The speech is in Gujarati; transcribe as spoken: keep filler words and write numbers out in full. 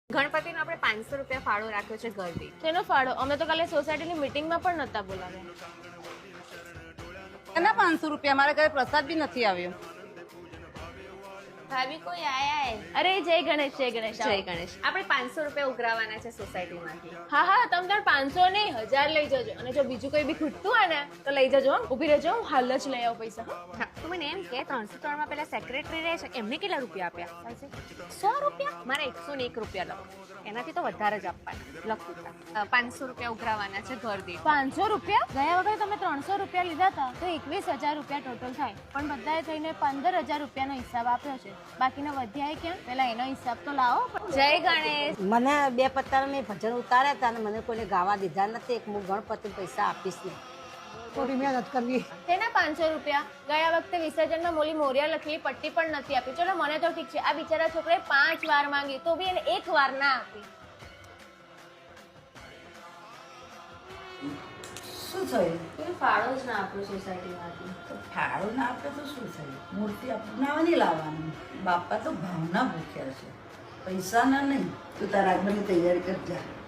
ગણપતિનો આપણે પાંચસો રૂપિયા ફાળો રાખ્યો છે ઘરથી. શેનો ફાળો? અમે તો કાલે સોસાયટીની મીટિંગમાં પણ નતા બોલાવ્યા. એના પાંચસો રૂપિયા મારા ઘરે પ્રસાદ બી નથી આવ્યો. ભાભી કોઈ આયા હે? અરે જય ગણેશ, જય ગણેશ. જય ગણેશ. આપણે પાંચસો રૂપિયા ઉઘરાવાના છે સોસાયટીમાંથી. હા હા, તમે તાર પાંચસો નહીં હજાર લઈ જજો, અને જો બીજું કોઈ બી ખૂટતું હોય ને તો લઈ જજો. હો, ઊભી રહેજો, હું હાલ જ લઈ આવું પૈસા. હા, તું મને એમ કે ત્રણસો ત્રણ માં પેલા સેક્રેટરી રહે છે એમને કેટલા રૂપિયા આપ્યા? સો રૂપિયા? મારે એકસો ને એક રૂપિયા લખો. એનાથી તો વધારે જ આપવાના. લખું પાંચસો રૂપિયા ઉઘરાવાના છે ઘર દીઠ. પાંચસો રૂપિયા? ગયા વખતે તમે ત્રણસો રૂપિયા લીધા હતા તો એકવીસ હજાર રૂપિયા ટોટલ થાય, પણ બધાએ થઈને પંદર હજાર રૂપિયાનો હિસાબ આપ્યો છે. બાકીનો વધ્યા ક્યાં? પેલા એનો હિસાબ તો લાવો. જય ગણેશ. મને બે પત્તા મેં ભજન ઉતાર્યા હતા અને મને કોઈને ગાવા દીધા નથી. એક હું ગણપતિ પૈસા આપીશ ને થોડી મહેનત કરવી. તેના પાંચસો રૂપિયા ગયા વખતે વિસર્જનમાં મોલી મોરિયા લખેલી પટ્ટી પણ નથી આપી. ચલો મને તો ઠીક છે, આ બિચારા છોકરાએ પાંચ વાર માંગી તો બી એને એક વાર ના આપી. શું થયું? કોઈ ફાળો જ ના આપ્યો સોસાયટીમાંથી. તો ફાળો ના આપે તો શું થયું? મૂર્તિ અપનાવવાની લાવવાની. બાપા તો ભાવના ભૂખ્યા છે, પૈસા ના નહીં. તું તારા આગળની તૈયારી કરજા.